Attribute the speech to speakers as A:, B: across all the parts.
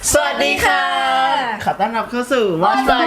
A: สวัสดีค่ะขอต้อนรับเข้าสู่ Watch My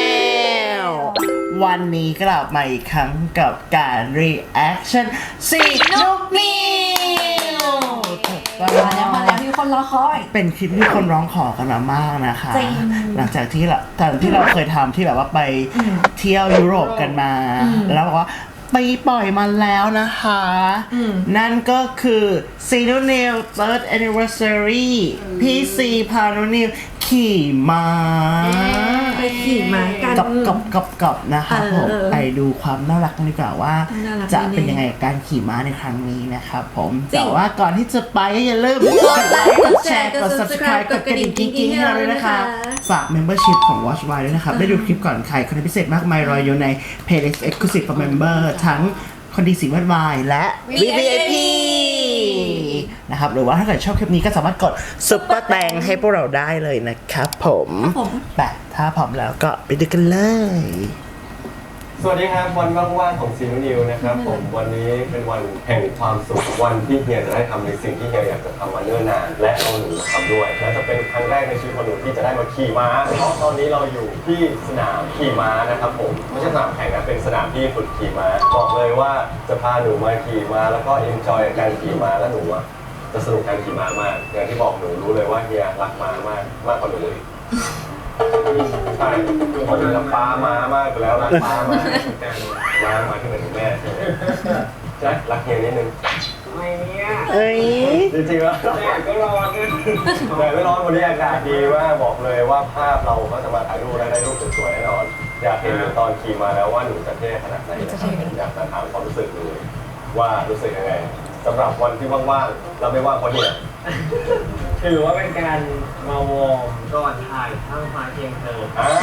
A: Channel วันนี้กลับมาอีกครั้งกับการ reaction สีนุกนิว
B: มาแล้วมีคนรอคอย
A: เป็นคลิปที่คนร้องขอกันมามากนะคะหลังจากที่เราเคยทำที่แบบว่าไปเที่ยวยุโรปกันมาแล้วบอกว่าไปปล่อยมาแล้วนะคะนั่นก็คือซีนูนิว third anniversary พี่ซีพานุนิวขี่ม้า
B: ไปขี่ม้ากัน
A: กับนะคะผมไปดูความน่ารักกันดีกว่าว่าจะเป็นยังไงการขี่ม้าในครั้งนี้นะครับผมแต่ว่าก่อนที่จะไปอย่าลืมกดไลค์กดแชร์กด subscribe กดกระดิ่งกิ๊งๆให้เราด้วยนะคะฝาก membership ของ Watch My ด้วยนะครับได้ดูคลิปก่อนใครคอนเทนต์พิเศษมากมายรออยู่ใน playlist exclusive for member ทั้งคนดีสีวัดวายและ VIP นะครับหรือว่าถ้าเกิดชอบคลิปนี้ก็สามารถกดซุปเปอร์แตงให้พวกเราได้เลยนะครับผมแต่ถ้าพร้อมแล้วก็ไปดูกันเลย
C: สวัสดีครับวันว่างๆของซีนูนิวนะครับผมวันนี้เป็นวันแห่งความสุขวันที่เฮียจะได้ทำในสิ่งที่เฮียอยากจะทำมาเนิ่นนานและเอาหนูมาทำด้วยและจะเป็นครั้งแรกในชีวิตของหนูที่จะได้มาขี่ม้าเพราะตอนนี้เราอยู่ที่สนามขี่ม้านะครับผมไม่ใช่สนามแข่งนะเป็นสนามที่ฝึกขี่ม้าบอกเลยว่าจะพาหนูมาขี่ม้าแล้วก็เอนจอยกับการขี่ม้าและหนูจะสนุกการขี่ม้ามากอย่างที่บอกหนูรู้เลยว่าเฮียรักม้ามากกว่าหนูเลยใช่คนนี้รักป้ามามากแล้วรักป้ามากมาที่เหมือนแม่ใช่ไหมใช่รักเฮียนิดนึง
B: ไม่เนี่ย
C: จริงๆแล้วแดดก็ร้อนแดดไม่ร้อนวันนี้อากาศดีมากบอกเลยว่าภาพเราก็จะมาถ่ายรูปได้รูปสวยๆแน่นอนอยากเห็นหนูตอนขี่มาแล้วว่าหนูจะเท่ขนาดไหนนะครับอยากจะถามความรู้สึกหนูว่ารู้สึกยังไงสำหรับวันที่ว่างๆเราไม่ว่างเพราะเฮีย
D: ถือว่าเป็นการมาวอร์มก่อนถ่ายทั้งฟ้าเคียงเธอ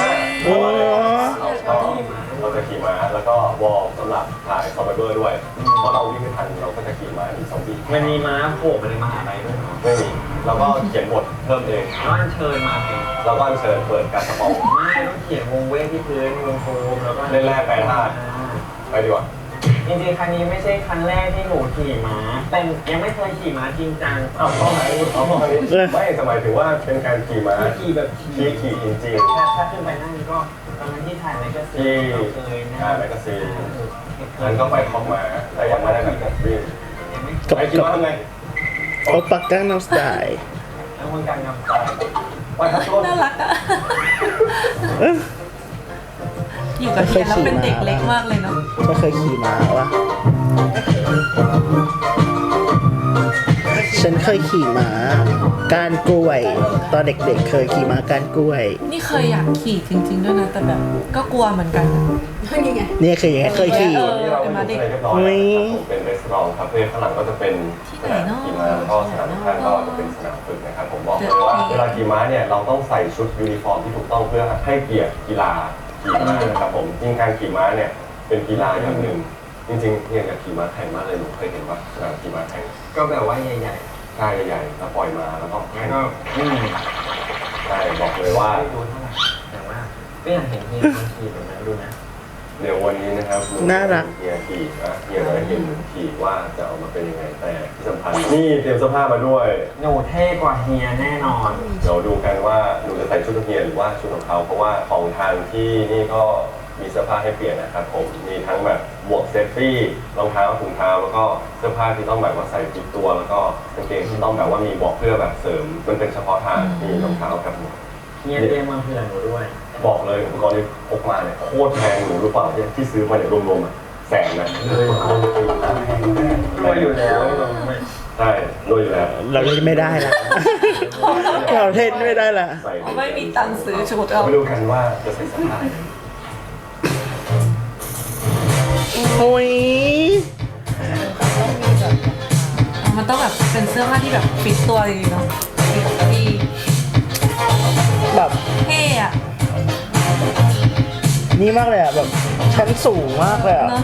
C: เราจะขี่ม้าแล้วก็วอร์มสำหรับถ่ายคอมเมอร์ด้วยเพราะเราวิ่งไม่ทันเราก็จะขี่ม้าอีก2 ปี
D: มันมีม้าโผล่มาในมหาลัยด้วย
C: ไม่มีเราก็เขียนบทเพิ่มเอง
D: แล้วอัญเชิญมาเอง
C: เราก็อัญเชิญเปิดการสปอง
D: ไม่ต้องเขียนวงเวทที่พื้นวงโฟมแล้วก็
C: เล่นแรกไปท่าไปดีกว่า
D: จริงๆครั้งนี้ไม่ใช่ครั้งแรกที่หนูขี่ม้าแต่ยังไม่เคยขี่ม้าจริงจัง
C: เอาเข้าไหนไม่สมัยถึงว่าเป็นการขี่ม้า
D: ขี่แบบ
C: ขี่จริง
D: ถ้าขึ้นไปนั่งก็ตอนนั้นที่ถ่ายแมกกาซีนเคยนะ
C: แมกกาซีนนั้นก็ไปคล้องม้าแต่ยังไม่ได้แบบวิ่งไปขี่ม้าทำไง
A: โอปักกังน้ำสไตล์
D: แล้วคนกลางนำไป
B: น่ารักอ่ะอยู่กับเฮียแล้วเป็นเด็กเล็กมากเลยเนาะ
A: ไม่เคยขี่ม้าวะฉันเคยขี่ม้าการกล้วยตอนเด็กๆเคยขี่ม้าการกล้วย
B: นี่เคยอยากขี่จริงๆด้วยนะแต่แบบก็กลัวเหมือนกัน
A: นี่ไงนี่เคยขี่
C: นี่เราเป็นเรียบร้อยเป็นรีสอร์ทคาเฟ่ข้างหลังก็จะเป็นสนามขี่ม้าแล้วก็สนามข้างก็จะเป็นสนามฝึกนะครับผมบอกเลยว่าเวลาขี่ม้าเนี่ยเราต้องใส่ชุดยูนิฟอร์มที่ถูกต้องเพื่อให้เกียรติกีฬาขี่ม้านะครับผมจริงการขี่ม้าเนี่ยเป็นกีฬาอย่างหนึ่งจริงๆเนี่ยกับขี่ม้าแข่งมากเลยหนูเคยเห็นว่าขี่ม้าแข่ง
D: ก็แบบว่าใหญ่
C: ๆกายใหญ่ๆแล้วปล่อยมาแล้วก็แข่งใช่บอกเลยว่า
D: ดูเท่าไหร่แต่ว่าไม่อยากเห็นเฮียขี่แบบนั้นดูนะ
C: เดี๋ยววันนี้นะครับ
A: น่ารัก
C: เฮียขี่เฮียได้เห็นขี่ว่าจะออกมาเป็นยังไงแต่ที่สำคัญนี่เตรียมเสื้อผ้ามาด้วย
D: หนูเท่กว่าเฮียแน่นอน
C: เดี๋ยวดูกันว่าหนูจะใส่ชุดเฮียหรือว่าชุดของเขาเพราะว่าของทางที่นี่ก็มีเสื้อผ้าให้เปลี่ยนนะครับผมมีทั้งแบบหมวกเซฟตี้รองเท้าถุงเท้าแล้วก็เสื้อผ้าที่ต้องแบบว่าใส่ติดตัวแล้วก็กางเกงที่ต้องแบบว่ามีบอกเพื่อแบบเสริมมันเป็นเฉพาะทางมีรองเท้ากับหมวก
D: เฮียเตรียมมาเผื่อหนูด้วย
C: บอกเลยอุปกรณ์ที่พกมาเนี่ยโคตรแพงหนูรู้เปล่าที่ซื้อมาเนี่ยรวมๆ100,000นะ
D: รวยอยู่แล้ว
C: ใช่รวยอยู่แล้ว
A: เราเล่นไม่ได้ละเราเล่นไม่ได้ละ
B: ไม่มีตังค์ซื้อชุด
C: เราไม่รู้กันว่าจะใส่สภาพ
A: โอ้ย
B: มันต้องแบบเป็นเสื้อผ้าที่แบบฟิตตัวจริงๆเนาะที่
A: แบบ
B: เท่อะ
A: นี่มากเลยอ่ะแบบชั้นสูงมากเลยอ่ะ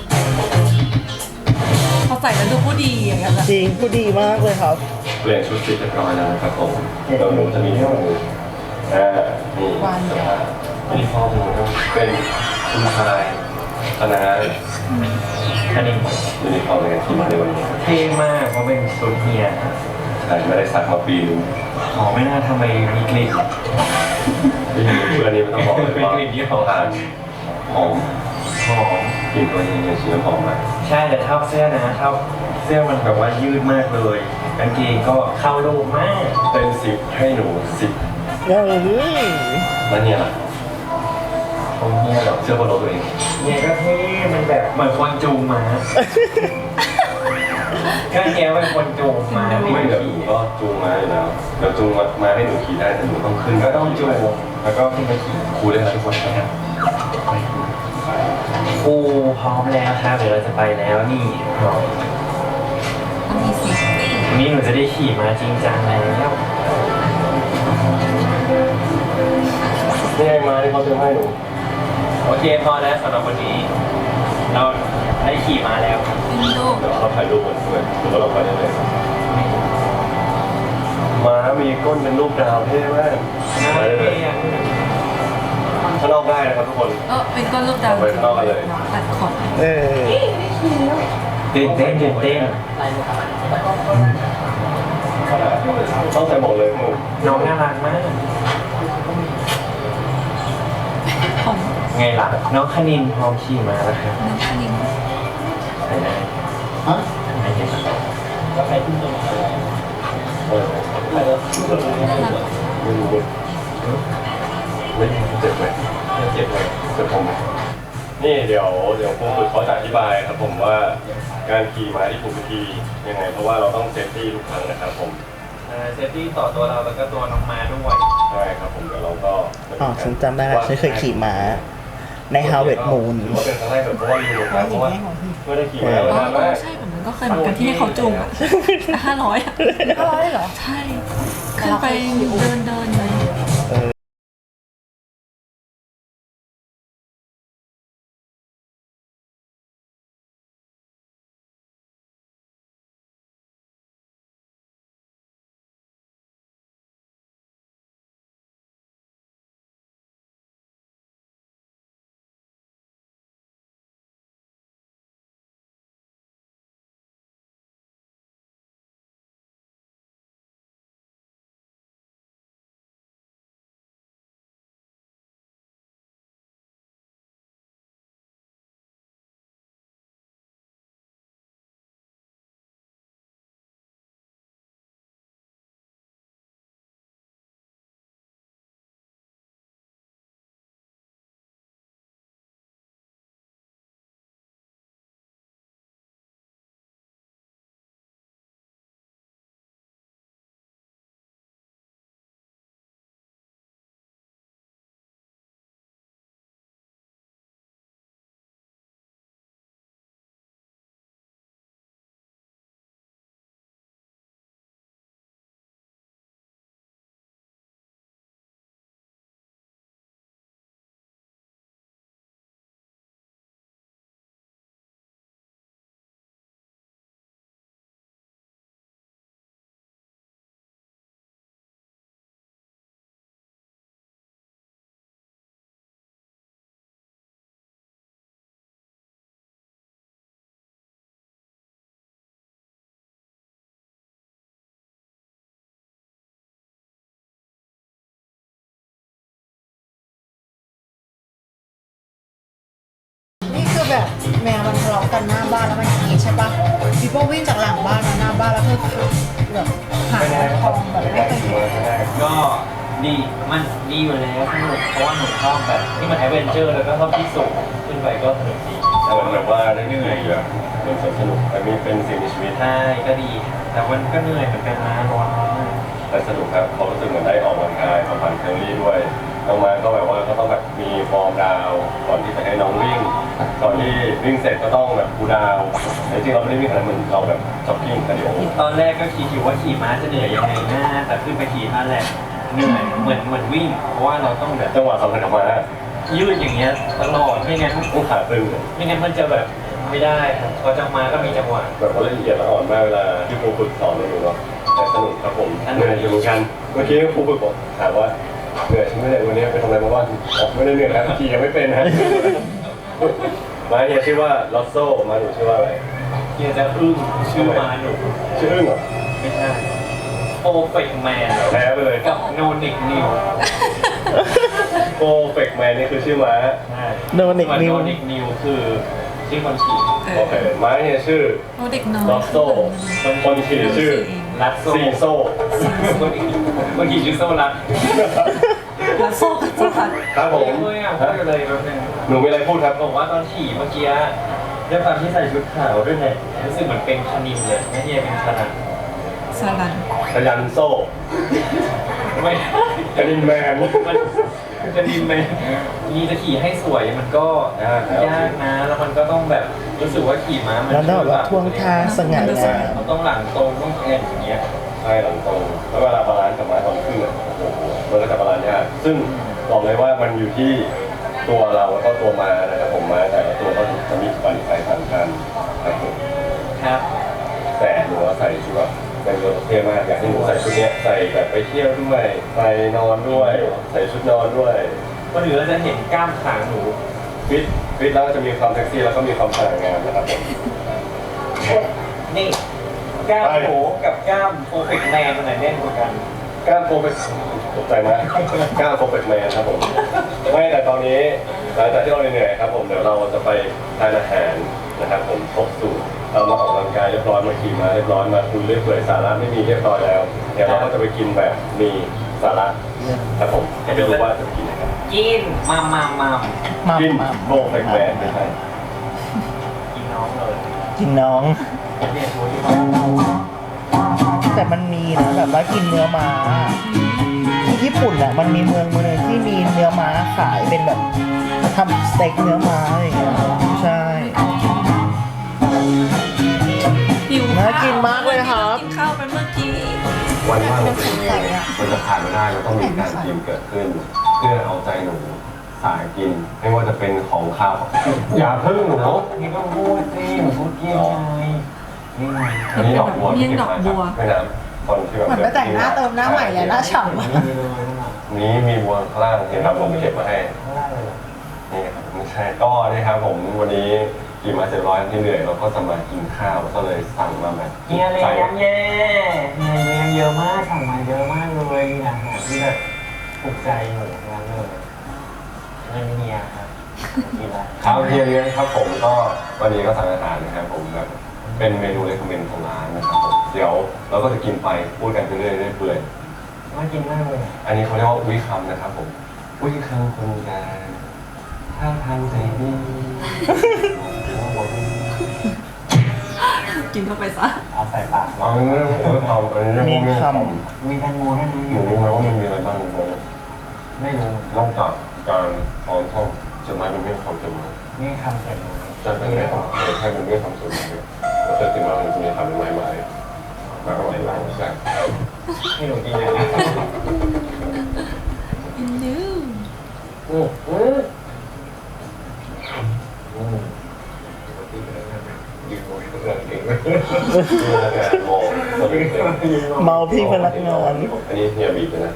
B: พอใส่แล้วดูผู้ดีอย่างเงี้ย
A: จริงผู้ดีมากเลยครับ
C: เปลี่ยนชุดเสร็จเรียบร้อยแล้วนะครับผมเราหนูจะมีให้หนูนี่ยูนิฟอร์มหนูเป็นคุณชายคณะ
D: อันนี้
C: ยูนิฟอร์มในการขี่ม้าในวันนี้
D: เท่มากเพราะเป็นชุดเฮีย
C: ใช่ไม่ได้สักมาปีนึง
D: หอมไม่น่าทำไมมีกลิ่น
C: เพื่อนนี้ไม่ต้องบอกเลยว่า
D: เป็นกลิ่นที่หอม
C: ทานหอม
D: หอม
C: กลิ่นตัวนี้เนี่ยชิ้นหอมมาก
D: ใช่แต่เท่าเสื้อนะเท่าเสื้อมันแบบว่ายืดมากเลยกางเกงก็เข้ารูปมาก
C: เป็น10ให้หนู10แล้วเนี่ยล่ะ
D: ผมเฮียหรอ
C: เชื่อบนรถตัวเอง
D: เนี่ยก็เท่มันแบบเหมือนคนจูงม้าก็เฮียเป็นคนจูงม้า
C: ไม่เดี๋ยวหนูก็จูงมาอยู่แล้วเดี๋ยวจูงมาให้หนูขี่ได้แต่หนูต้องขึ้น
D: ก็ต้องจูงแล้วก็ขึ้นไปขี่
C: ครูได้แล้วทุกคนนะครับ
D: ครูพร้อมแล้วครับเดี๋ยวเราจะไปแล้วนี่
B: ต้องมีเสียง
D: วันนี้หนูจะได้ขี่ม้าจริงจังแล้ว
C: นี่ไงมาที่เขาเตรียมให้หนู
D: โอเคพอแล้วสำหรับวันนี้ เราได้ขี่ม้าแล้ว
B: เป็นรูป
C: เดี๋ยวเราถ่ายรูปกันด้วยหรือว่าเราไปได้เลยม้ามีก้นเป็นรูปดาวเท่มากไปได้เลยข้างนอกได้นะครับทุกคน
B: เป็นก้อนรูปดาว
C: ไปข้างนอกกันเลย
B: ตัดขอบ
D: ตื่นเต้นตื่นเต้น
C: ต้องใส่หมวกเลยหมู
D: น้องน่ารักมาก
B: ของ
D: ไงล่ะน้องคณินพร้อมขี่ม้าแล้วครับ
B: น้ำคณิน
D: ใช่ไหม
A: ฮะ
D: ไม่เห็นหรอก
B: น่ารัก
C: ไม่รู้ไม่เจ็บไหมไม่เจ็บเลยเจ็บผมไหมนี่เดี๋ยวครูฝึกเขาจะอธิบายครับผมว่าการขี่ม้าที่ถูกวิธียังไงเพราะว่าเราต้องเซฟตี้ทุกครั้งนะครับผม
D: เซฟตี้ต่อตัวเราแล้วก็ตัวน้องม้าด้วย
C: ใช่ครับผมเดี๋ยวเราก็
A: อ๋อฉันจำได้แล้วฉันเคยขี่ม้าใน Harvest Moon
C: ถือว่าเป็นครั้งแรกแบบเพราะว่าลืมครับเพราะว่าไม่ได้ขี่ม้า
B: อ๋
C: มา
B: อน
C: านมาก
B: ใช่แบบนั้นก็เคยเหมือนกันที่ให้เขาจูงอ่ะ500อ่ะ
E: 500เหรอ
B: ใช่ขึ้นไปเดินเลย
E: นี่คือแบบแมวมันทะเลาะกันหน้าบ้านแล้วมันอย่างนี้ใช่ปะพี่โป้วิ่งจากหลังบ้านมาหน้าบ้านแล้วคือแบบหาทองแบบไม่เคยเห็น
D: ก็ดีมันดีอยู่แล้วสนุกเพราะว่าหนูชอบแบบที่มันแอดเวนเจอร์แล้วก็ชอบที่สูงขึ้นไปก็สนุกดี
C: เหมือนแบบว่าได้เหนื่อยแบบเหมือนสนุกแต่มีเป็นสิ่งมีชีวิต
D: ใช่ก็ดีแต่มันก็เหนื่อยเหมือนกันนะร้อนมาก
C: แต่สนุกครับเขารู้สึกเหมือนได้ออกกำลังกายมาผ่านแคลอรี่ด้วยน้องมาก็แบบว่าก็ต้องแบบมีฟอร์มดาวก่อนที่จะให้น้องวิ่งก่อนที่วิ่งเสร็จก็ต้องแบบคูลดาวน์แต่จริงๆเราไม่ได้วิ่งขนาดนั้นเราแบบจ็อกกิ้งกันเดี๋ยว
D: ตอนแรกก็คิดอยู่ว่าขี่ม้าจะเหนื่อยยังไงนะแต่ขึ้นไปขี่ท่าแรกเหนื่อยเหมือนวิ่ง เพราะว่าเราต้องแบบ
C: จังหวะสำคัญของมา
D: ยืดอย่างเงี้ยตลอดไม่งั้น
C: ต้องขาตึง
D: ไม่งั้นมันจะแบบไม่ได้ครับพอจังมาก็มีจังหวะ
C: แบบว่าละเอียดละอ่อนมากเวลาที่ครูฝึกสอนเราอยู่เนาะแต่สนุกครับผมเหนื่อยอยู่เหมือนกันเมื่อกี้ครูฝึกบอกถามว่าเหนื่อยใช่ไหมเนี่ยวันนี้ไปทำอะไรมาบ้างไม่ได้เหนื่อยนะขี่ยังไม่เป็นนะมาเนี่ยชื่อว่าลอสโซมาหนูชื่อว่าอะไร
D: เฮียจะอึ้งชื่อม้าหนู
C: ชื่ออึ้งเหรอ
D: ไม่ใช่ Perfect Man
C: แพ้ไปเลย
D: กับ No Nick New
C: โกเฟกแมนนี่คือชื่อม้า
D: ใช่
A: No Nick
D: ส่วน
A: New
D: No Nick New คือชื่อคนขี่
C: โอเคม้าเนี่ยชื่อ
B: โอ้เด็กน้อย
C: ล็อกโซ่คนขี่ชื่อ
D: รัดโซ่
C: ซีโซ่
D: คนขี่ชื่อโซ่รัด
B: แล้วโซ่กับโซ่ค่ะ
C: ครับผม
D: เลยอ่ะพูดเลยแป๊บนึง
C: หนูมีอะไรพูดครับ
D: บอกว่าตอนขี่เมื่อกี้ด้วยความที่ใส่ชุดขาวด้วยเนี่ยรู้สึกเหมือนเป็นคณินเลยไม่ใช่เป็นชนะ
B: สลัน
C: ขยันโซ่
D: ไม่
C: กระดินแมน
D: มันจะดินไปมีจะขี่ให้สวยมันก็ยากนะแล้วมันก็ต้องแบบรู้สึกว่าขี่ม้ามัน
A: แล้วต้องแบบท่วงท่าสง่างาม
D: เราต้องหลังตรงต้องแอนอย่างเงี้ย
C: ใช่หลังตรงแล้วเวลาบาลานซ์กับม้าตอนขึ้นอ่ะโอ้โหมันก็จะบาลานซ์ยากซึ่งบอกเลยว่ามันอยู่ที่ตัวเราแล้วก็ตัวม้านะครับผมม้าแต่ละตัวก็จะมีปัจจัยต่างกันนะครับผม
D: ครับ
C: แต่หนูว่าใส่ชุดแบบเป็นรถเท่มากอยากให้หนูใส่ชุดเนี้ยใส่แบบไปเที่ยวด้วยไปนอนด้วยใส่ชุดนอนด้วย
D: ก็เหลือจะเห็นกล้ามขาหนู
C: ฟิตแล้วก็จะมีความเซ็กซี่แล้วก็มีความสง่างามนะครับผม
D: นี่กล้ามโผกับกล้ามโปรเฟกแมนมันไหนแน่นกว่ากัน
C: กล้ามโปรเฟกตกใจมากกล้ามโปรเฟกแมนครับผมไม่แต่ตอนนี้หลังจากที่เราเหนื่อยๆครับผมเดี๋ยวเราจะไปทานอาหารนะครับผมครบสูตรเรามาออกกำลังกายเรียบร้อยมาขี่มาเรียบร้อยมาคุยเรื่อยเปื่อยสาระไม่มีเรียบร้อยแล้วเดี๋ยวเราก็จะไปกินแบบมีสาระครับผมให้ไปดูว่าจะไปกินอะไรกัน
D: กินมา
A: มา
C: กิน
A: มา
C: โปรเฟกแมนไม่ใช่
D: กินน้องเลย
A: กินน้อง
D: เนี่ยโชว์ที่
A: แต่มันมีนะแบบว่ากินเนื้อม้าที่ญี่ปุ่นอ่ะมันมีเมืองนึงที่มีเนื้อม้าขายเป็นแบบทำสเต็กเนื้อม้าอะไรอย่างเงี้ยใช่
B: หิว
A: น่ากินมากเลยครับ
B: กินข้าวไปเมื่อกี้
C: วันว่างของคุณมันจะผ่านไม่ได้มันต้องมีการกินเกิดขึ้น เพื่อเอาใจหนูสายกิน ไม่ว่าจะเป็นของข้าวอย่าพึ่งหนู
D: นี่ก็พูดสิหนูพูดเกี่ยวไงนี่ไง
C: อันนี้ดอกบัว
B: เมี่ยงดอกบัว
C: ไม่น้ำคนที่แบบ
E: เหมือนไปแต่งหน้าเติมหน้าใหม่เลยหน้าฉ่ำอะ
C: นี้มีบัวข้างล่างเห็นครับผมเก็บมาให้นี่ครับไม่ใช่ก็นี่ครับผมวันนี้กินมา700ที่เหนื่อยเราก็จะมากินข้าวก็เลยสั่งมาแบบ
D: เฮียเลี้ยงเย่เฮียเลี้ยงเยอะมากสั่งมาเยอะมากเลยมีอาหารที่แบบถูกใจหนูทั้งนั้นเลยไม่เฮียครับกินละ
C: ข้าวเที่ยงนี้ครับผมก็วันนี้ก็สั่งอาหารนะครับผมแบบเป็นเมนูเล็กเมนของร้านนะครับผมเดี๋ยวเราก็จะกินไปพูดกันไปเรื่อยๆเปื่อย
D: น่ากินมากเลย
C: อันนี้เขาเรียกว่าวิคัมนะครับผมวิคัมคนงานท่าทางใจดี
B: กินเข้าไปซะ
D: เอาใส่ปาก
C: เอาเรื่องเอาอันนี้เรื่อง
A: มีค
D: มีแตงโมให้ดู
C: หนูรู้ไหมว่ามันมีอะไรบ้างไหม
D: ไม่รู้
C: นอกจากการออนท่องจะมาเป็นเรื่องความจำ
D: นี่คำเสร็จ
C: จะเป็นเรื่องของแค่เป็นเรื่องความสุขเนี่ยเราจะถึงว่ามันจะมีคำใหม่ๆมาก็หลายหลายใช่
D: ให้หนูกินอย่างนี้
B: อินดู
C: ยืนมองเรื่องเก่งเลยมองสวิตเลย
A: ำเมาพี่พนักงาน
C: อันนี้เฮียบีบเลยนะ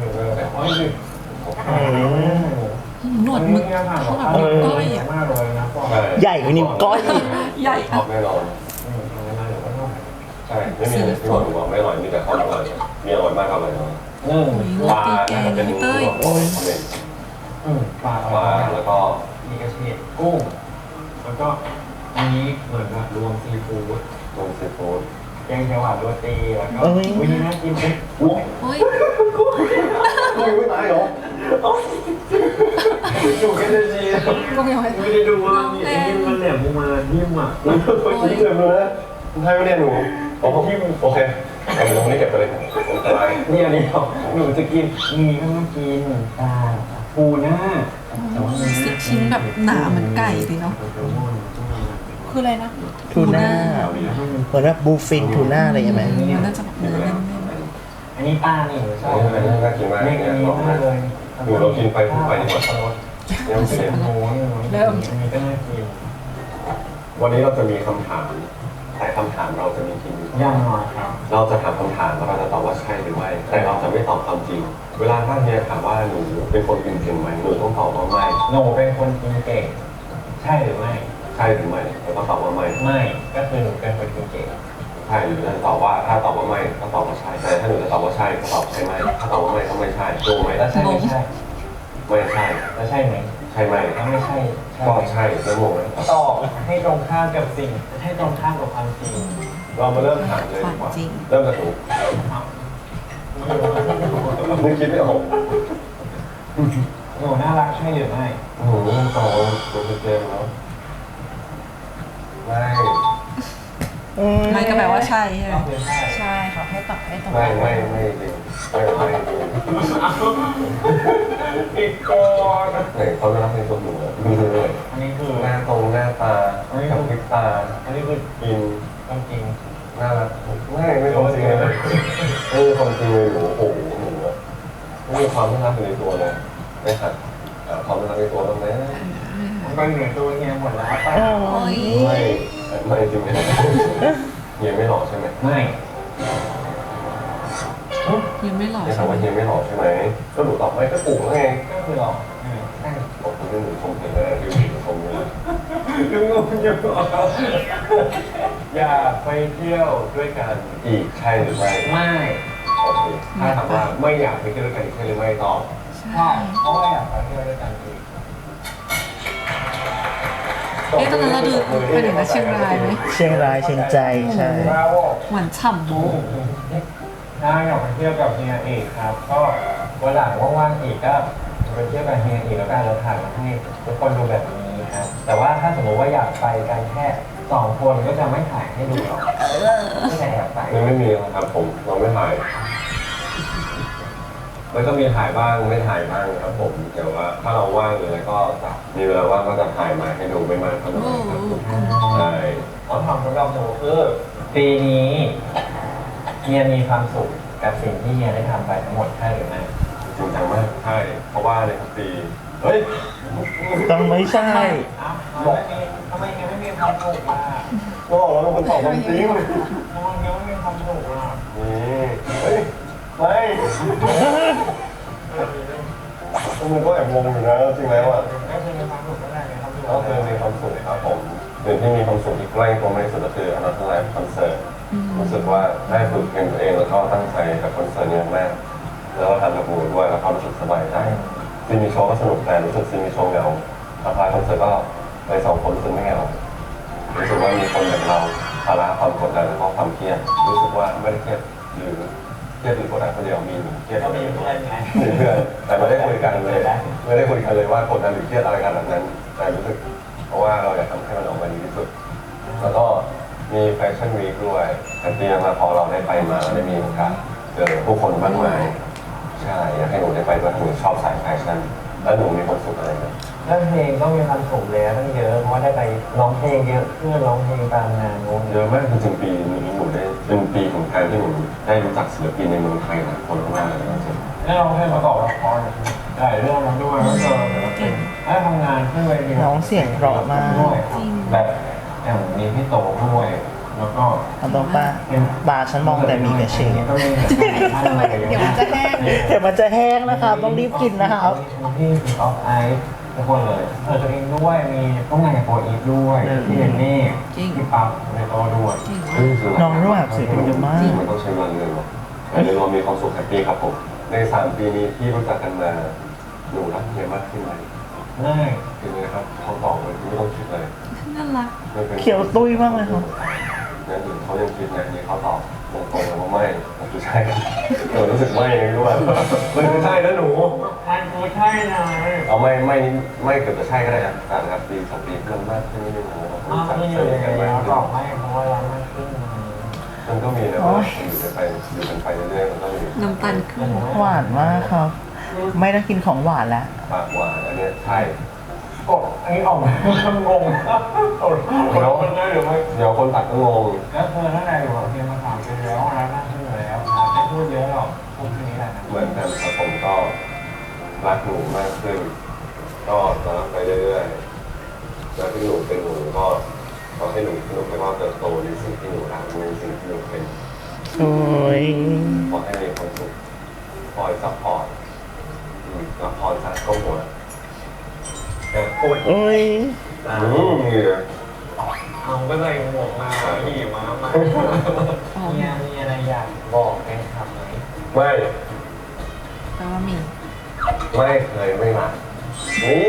B: หนวดหมึกเขาแบบนิ้วก้อยอ่ะ
D: มากเลยนะพ่อ
C: ใช่
A: ใหญ่กว่านิ้วก้อยอีก
B: ใหญ่
C: ชอบแน่นอนใช่ไม่มีอะไรที่บอกไม่อร่อยมีแต่ความอร่อยมีอร่อยมากอร่อยน้อย
B: โอ้ยโร
C: ปลา
B: ตีแกง
C: จะเป็น
B: เต้ย
D: ปลา
C: ปลาแล้วก็
D: มีกระเทียมกุ้งแล้วก็อันนี้เหมือนแบบรวมซีฟู้ด
C: ต้มซีฟู้ด
D: แกงเขียวหวานโรตีแล้วก็อุ้ยน่ากินเลย
B: โอ้ย
C: ไม่ตายหรอ
D: ดูกันเลยสิ
B: ก็ยังไม่
D: ไม่ได้ดูว่ามีไอ้นี่มันแหลมมานิ่มอ่ะ
C: นี่เกินเลยนะไทยไม่ได้หนูโอเคโอเคเอาตรงนี้เก็บไปเลยอันตราย
D: เนี่ยนี่หนูจะกินมีก็ต้องกินปลาปูหน้า
B: สิบชิ้นแบบหนาเหมือนไก่เลยเนาะ
E: คืออะไรนะ
A: ทูน่าเหมือนแบบบูฟินทูน่าอะไรอย่างเงี้ยไหม
B: มันน่าจะแบบเนื้อแน่น
D: อันนี้ปลานี่ชอบ
C: อันนี้น่ากินมาก
D: เนี่
C: เนี่ย ย
D: อันนี้
C: ลอง
D: มากเลย
C: ดูเรากินไปพูดไปดีกว่ายังเสีย
D: หมูอันนี้ก็น่ากิน
C: วันนี้เราจะมีคำถามแต่คำถามเราจะมีจริง
D: ย่างหน่อยครับ
C: เราจะถามคำถามแล้วเราจะตอบว่าใช่หรือไม่แต่เราจะไม่ตอบความจริง เวลาถ้าเฮียถามว่าหนูเป็นคนกินเก่งไหมหนูต้องตอบว่าไม่
D: หนูเป็นคนกินเก่งใช่หรือไม่
C: ใช่หรือไม่เราต้องตอบว่าไม่
D: ไม่ก็คือหนูเป็นคนกินเก่ง
C: โใช่หรือจะตอบว่าถ้าตอบว่าไม่ก็ตอบว่าใช่แต่ถ้าหนูจะตอบว่าใช่ก็ตอบใช่ไหมถ้าตอบว่าไม่ก็ไม่ใช่ถูกไหม
D: แล้วใช่ไม่ใช่
C: ไม่ใช่
D: แล้วใช่ไหม
C: ใช่ไหม
D: แล้วไม่ใช่
C: ก็ใช่แล้วงงไหม
D: ตอบให้ตรงข้ามกับสิ่งให้ตรงข้ามกับความจริง
C: เรามาเริ่มถามเลยดีกว่าเริ่มจากหนูนึกคิดไม่ออก
D: หนูน่ารักใช่หรือไม่
C: หนูตอบตัวเต็มแล้วไม่
B: ไม่ก็แปลว่าใช่ใช่ไหม
D: ก็คือใช่
E: ใช่ค่ะให้ตอบให้ตรง
C: ไม่จริงไม่จริง
D: อีกก่อน
C: ไหนเขาไม่รับในตัวหนูเลยดูเลย
D: อันนี้คือ
C: หน้าตรงหน้าตากับพริบตา
D: อันนี้คือ
C: กิน
D: ความจริง
C: น่ารักไม่ความจริงเลยไม่มีความจริงเลยหนูโอ้โหหนูอะไม่มีความน่ารักอยู่ในตัวเลยไม่หัดความน่ารักในตัวตรงนี้
D: มันก็อยู่ในตัวเฮียหมดแล้วป่ะ
B: โอ้ย
C: ไม่จริงไหมเฮียไม่หล่อใช่ไหม
D: ไม่
B: ยังไม่หล่อ
C: ไม่
B: ใช่
C: ถาม
B: ไหม
C: ว่าเฮียไม่หล่อใช่ไหมก็หนูตอบไม่ก็ถูกแล้วไง
D: ก็คือหรอกใช่
C: บอกคุณหนูชมเธอแล้วดูหนูชมเลย
D: ยังงงอยู่อยากไปเที่ยวด้วยกัน
C: อีกใช่หรือไม่
D: ไม่
C: โอเคถ้าถามว่าไม่อยากไปเที่ยวด้วยกันอีกใช่หรือไม่ตอบ
B: ใช่
D: ใช่เพราะว่าอยากไปเที่ยวด้วยกันอีก
B: เอ๊ะตอนนั้นเราดูไปถึงเชียงรายไหม
A: เชียงรายเชียงใจใช่
D: บราโว
B: หวานฉ่ำโบ๊ะ
D: ถ้าอยากไปเที่ยวกับเฮียเอกครับ ก็วันหลังว่างๆอีกก็ไปเที่ยวกับเฮียอีกแล้วกันเราถ่ายมาให้ทุกคนดูแบบนี้ครับ แต่ว่าถ้าสมมติว่าอยากไปกันแค่2 คนก็จะไม่ถ่ายให้ดูหรอกไม่ใช่อยากไป
C: ไม่มีครับผมเราไม่ถ่ายมันก็มีถ่ายบ้างไม่ถ่ายบ้างครับผมแต่ว่าถ้าเราว่างหรืออะไรก็จะมีเวลาว่างก็จะถ่ายมาให้ดูไม่มากก็น้อยครับใช่
D: เขาทำสำหรับหนูคือปีนี้เฮียมีความสุขกับสิ่งที่เฮียได้ทำไปทั้งหมดใช่หรือไม่
C: จริงจังมากใช่เพราะว่าในทุกปีเฮ้ย
A: ต้องไม่ใช่
D: อ้าวทำไมเฮียไม่มีความสุขล่ะ
C: ก็บอกแล้วเป็นคนตอบความจริง
D: ทำไมเฮียไม่มีความสุขล่ะ
C: นี่เฮ้ยไม่มันก็แอบงงอยู่นะจริงแล้วอ่ะ
D: ก็คือมีความสุขก็ได้ไงความสุข
C: ก็คือมีความสุขครับผมสิ่งที่มีความสุขที่ใกล้ตัวมากที่สุดก็คืออนาคตไลฟ์คอนเสิร์ตรู้สึกว่าได้ฝึกเพลงตัวเองแล้วก็ตั้งใจกับคอนเสิร์ตนี้มากแล้วก็ทำกับหมูด้วยแล้วก็รู้สึกสบายใจซีมีโชว์ก็สนุกแต่รู้สึกซีมีโชว์เหงาพอทายคอนเสิร์ตก็ไป2 คนรู้สึกไม่เหงารู้สึกว่ามีคนแบบเราภาระความกดดันแล้วก็ความเครียดรู้สึกว่าไม่ได้เครียดหรือเครียดหรือกดดันคนเดียวมีหนูเครียด
D: ก็มีเพื่อนไง
C: มีเพื่อนแต่ไม่ได้คุยกันเลยไม่ได้คุยกันเลยว่ากดดันหรือเครียดอะไรกันแบบนั้นแต่รู้สึกเพราะว่าเราอยากทำให้มันออกมาดีที่สุดแล้วก็มีแฟชั่นวีคด้วยแต่เตรียมมาพอเราได้ไปมาเราได้มีโอกาสเจอผู้คนมากมายใช่อยากให้หนูได้ไปด้วยหนูชอบสายแฟชั่นแล้วหนูมีความสุขอะไรไหม
D: เรื่องเพลงก็มีความสุขแล้วตั้งเยอะเพราะว่าได้ไปร้องเพลงเยอะเพื่อนร้องเพลงตามงานนู้น
C: เยอะมากจริงๆปีนี้หนูได้เป็นปีของการที่หนูได้รู้จักศิลปินในเมืองไทยหลายคนมากเลยจริง
D: ได้ร้องเพลงประกอบละครได้เรื่องนั้นด้วยแล้วก็ได้ทำงานขึ้นเวที
A: น้องเสียงเพราะมาก
D: ด้วยแบบอย่างมีพี่โตด้วยแล้วก็
A: เอาตรงป้าตาฉันมองแต่มีแต่เชด
D: ก็มี
E: เดี๋ยวมันจะแห้ง
A: เดี๋ยวมันจะแห้งนะครับ ต้องรีบกินนะครับ
D: พี่ออฟไอซ์ทุกคนเลยตัวเองด้วยมีต้องงานกับโปรอีฟด้วยพี่เรนนี่พี่ปั๊บในโตด้วย
A: น้องรู้แบบศิลปินเยอะมาก
C: มันต้องใช้เงินเลยหรอแต่ในรวมมีความสุขแฮปปี้ครับผมใน3 ปีนี้ที่รู้จักกันมาหนูรักเฮียมากขึ้นไหม
D: ง่าย
C: คือนะครับเขาตอบเลยไม่ต้องคิดเลย
B: น่ารัก
A: เขียวตุ้ยมากเลยครับ
C: นั่นถึงเขายังคิดนะนี่เขาตอบตรงๆเลยว่าไม่คือใช่เออรู้สึกไม่ยังรู้ว่ามันคือใช่นะหนู
D: มันคือใช่เลย
C: เอาไม่นี่ไม่เกือบจะใช่ก็ได้นะครับปี2 ปีมันมากขึ้นนิดนึงนะครับ
D: อ้าว
C: จับ
D: ไม่อ
C: เจ
D: ยู่
C: อ
D: ยังไง
C: กันมาก
D: แล้ว
C: ขึ้
D: ตอน บไม่เพราะว่าเราไม่ขึ้น
C: มันก็มีนะว่าอยู่กันไปเรื่อยๆมันก็มี
B: น้ำตาลขึ้น
A: หวานมากครับ ไม่ได้กินของหวานแล้ว
C: ปากหวานอันเนี้ยใช่
D: กดอันนี้ออกมางงมันได้หรือไม่
C: เดี๋ยวคนตัดก็งง
D: แล้วเธอท่านใดอยู่กับเพียงมา3 ปีแล้วนะนั่งขึ้นอยู่แล้วนะไม่พูดเยอะหรอกพูดแค่นี้แหละนะ
C: เหมือนกันครับผมก็รักหนูมากขึ้นก็จะรักไปเรื่อยๆแล้วที่หนูเป็นหนูก็ขอให้หนูสนุกแล้วก็เติบโตในสิ่งที่หนูรักในสิ่งที่หนูเป็น
A: โอ้ย
C: ขอให้มีความสุขคอยซัพพอร์ตซัพพอร์ตจากก้มหัวแต่พูด
A: โอ้ย
C: เหงื่อ
D: เอาก็ใส่หมวกมาขี่ม้ามาเฮียมีอะไรอยากบอกแฟนคลับไหม
C: ไม่
B: แปลว่ามี
C: ไม่เคยไม่มานี่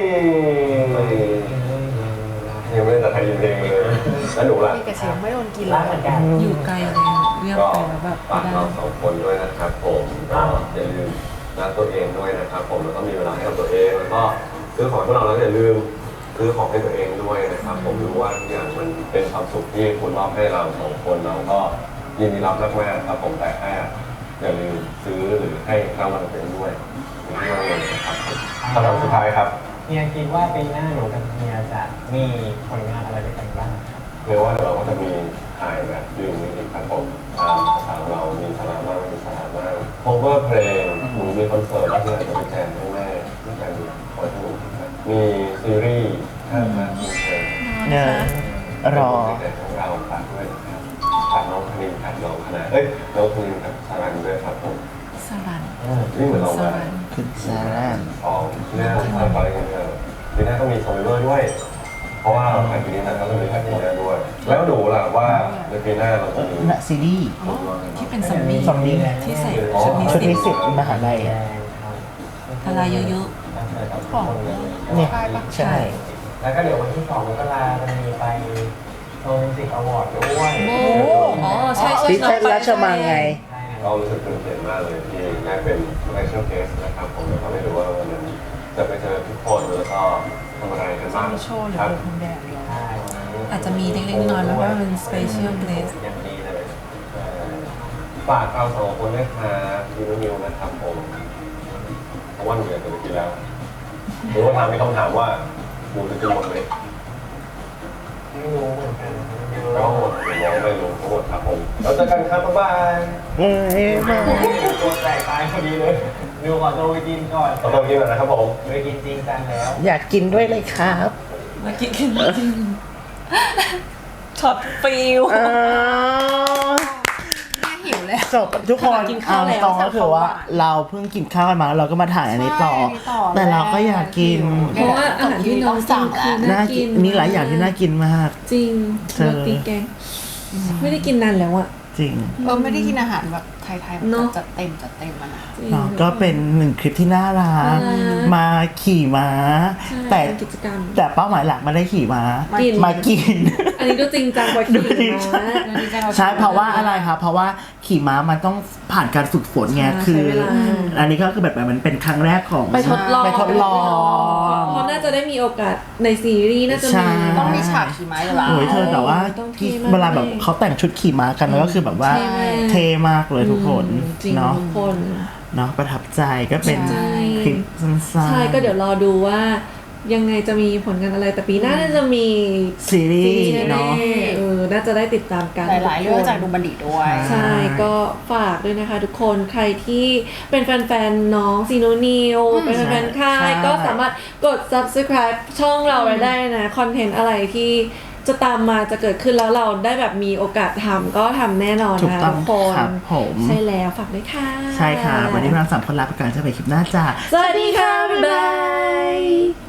C: ยังไม่ได้แต่ใครยินเพลงเลยแล้วหนูล่ะ
E: พี่กระเสียงไม่โดนกิน
D: รั
E: แล้
D: ก
E: ว
D: เหมือนกัน
B: อยู่ไกลเลยเรียก
C: ก็
B: ไปแล้วแบบ
C: ฝาก
B: ไม่
C: เรา
B: ได้
C: สองคนด้วยนะครับผมก็อย่าลืมรักตัวเองด้วยนะครับผมแล้วก็มีเวลาให้กับตัวเองแล้วก็ซื้อของให้พวกเราแล้วอย่าลืมซื้อของให้ตัวเองด้วยนะครับผมรู้ว่าทุกอย่างมันเป็นความสุขที่คุณมอบให้เราสองคนเราก็ยินดีรับมากๆครับผมแต่แค่อย่าลืมซื้อหรือให้รางวัลตัวเองด้วยไม่ว่าเงินนะครับคำถามสุดท้ายครับ
D: เฮียคิดว่าปีหน้าหนูกับเฮียจะมีผลงานอะไรด้วยกันบ้างครับ
C: เรียกว่าเราก็จะมีถ่ายแบบยืนมิวสิกครับผมภาษาเรามีสาระมากมีสาระมาก cover เพลงมีคอนเสิร์ตแล้วเนี่ยจะไปแจมให้แม่ที่การคอยสนุกครับมีซีรีส์ถ้ามาทีเธอ
A: เนี่ยรอ
C: แต่ของเราฝากด้วยนะครับฝากน้องคณินกับน้องคณะน้องคณินกับสารันด้วยครับผม
B: สรัน
C: นี่เหมือนเรา
B: ส
C: มา
B: รัน
A: คุณซาร่า
C: ของเรื่องอะไรกันเนี่ยปีหน้าต้องมีซอมเบอร์ด้วย เพราะว่าเราถ่ายปีนี้นะก็ต้องมีถ่ายปีหน้าด้วย แล้วหนูล่ะว่าในปีหน้าเราจะมี
A: น่ะซีรีส์
B: ที่เป็นซอมบี้
A: ซอมบี้
B: ที่ใส่
A: ชุ
B: ชุ
A: ด
B: ด
A: นิ
B: นิ
A: สิ
B: สิ
A: ต
B: ต
A: มหาลัยอ่ะ
B: พลายเยอะ
A: เนี่ยใช่
D: แล้วก็เดี๋ยววันที่2 มกราจะมีไปโชว์มิวสิกอวอร์ดด้วย
B: ๆอ๋อใช่ใช่
A: ที่เทศราชมังไง
C: เรารู้สึกตื่นเต้นมากเลยที่ได้เป็น special guest นะครับผมแล้วก็ไม่รู้ว่าวันนั้นจะไปเจอทุกคนแล้วก็ทำอะไรกันบ้าง
E: มีโชว์หรือ
C: ครับ
E: เป็นคนแดดเดียว
D: ใช่
B: อาจจะมีเล็กๆน้อยๆไหมว่าเป็น special guest
C: อย่างดีเลยฝากเราสองคนด้วยครับพี่นิวนะครับผมเพราะว่าหนูอยากจะไปกินแล้วหรือว่าถามมีคำถามว่าหนูจะกินหมดไหม
D: ไม่รู้เหมือนกัน
C: ก็หมดหรือไม่รู้ทั้งหมดครับผมแล้วเจอกันครับบ๊ายบาย
A: เอ้ยมา
D: ตัวแตกตายพอดีเลยดูขอตัวไปกินก่อน
C: ขอตัวกินหน่อยนะครับผม
D: ไปกินจริงจังแล้ว
A: อยากกินด้วยเลยครับ
B: มากินกันจริงช็อตฟิล
A: อ้าว
E: หิวเลย
A: จบทุกคน
B: กินข้าวแล้ว
A: ตรงก็คือว่าเราเพิ่งกินข้าวกันมาแล้วเราก็มาถ่ายอันนี้ต่อ แต่เราก็อยากกิน
B: เพราะว่าอาหารที่น้องสั่งคือ
A: น่ากินมีหลายอย่างที่น่ากินมาก
B: จริง
A: เธอ
B: โรตีแกงไม่ได้กินนานแล้วอ่ะ
A: จริง
E: ไม่ได้กินอาหารแบบไทยๆแบบ
B: เนอะ
E: จัดเต็มมานะ
B: จริง
A: เนาะก็เป็นหนึ่งคลิปที่น่ารัก
B: น่ารัก
A: มาขี่ม้า
B: ใช่
A: แต่
B: เป็นกิจกรรม
A: แต่เป้าหมายหลักไม่ได้ขี่ม้า
B: กิน
A: มากิน
B: อันนี้ดูจริงจังกว่า
A: ดู
B: ขี่
A: จริง
B: ม้า
A: ใช่เพราะว่าอะไรครับเพราะว่าขี่ม้ามันต้องผ่านการฝึกฝนไง
B: ใช่
A: คือ
B: ใช้เวลา
A: อันนี้ก็คือแบบมันเป็นครั้งแรกของ
B: ไปทดลอง
A: ไปทดลอง
B: เพราะน่าจะได้มีโอกาสในซีรีส์น่าจะ
A: ใช่
B: มี
E: ต้องมีฉากขี่ม้าอยู่แล้ว
A: โอ้ยเธอแต่ว่า
B: ต้องเท่มาก
A: เวลาแบบเขาแต่งชุดขี่ม้ากันแล้วก็คือแบบว่า
B: ใช่
A: เท่มากเลยทุกคน
B: จริง
A: เนาะ
B: ทุกคน
A: เนาะประทับใจก็เป็น
B: ใช่
A: คลิปสั้นๆ
B: ใช่ก็เดี๋ยวรอดูว่ายังไงจะมีผลงานอะไรแต่ปีหน้าน่าจะมี
A: ซีรี
B: ซีรี
A: ส์
B: ส์
A: เนาะ
B: แน่ๆน่าจะได้ติดตามกัน
E: หลายๆเรื่องจากดูบันดิตด้วย
B: ใช่ก็ฝากด้วยนะคะทุกคนใครที่เป็นแฟนๆน้องซีโนนิวเป็นแฟนๆค่ายก็สามารถกด subscribe ช่องเราไว้ได้นะคอนเทนต์อะไรที่จะตามมาจะเกิดขึ้นแล้วเราได้แบบมีโอกาสทำก็ทำแน่นอน
A: ถูก
B: นะ
A: ต้อ
B: ทุ
A: ง
B: กคน
A: ครับผม
B: ใช่แล้วฝากด้วยค่ะ
A: ใช่ค่ะ วันนี้เราสามคนลาไปก่อนจะไปคลิปหน้าจ้า
B: สวัสดีค่ะ บ๊ายบาย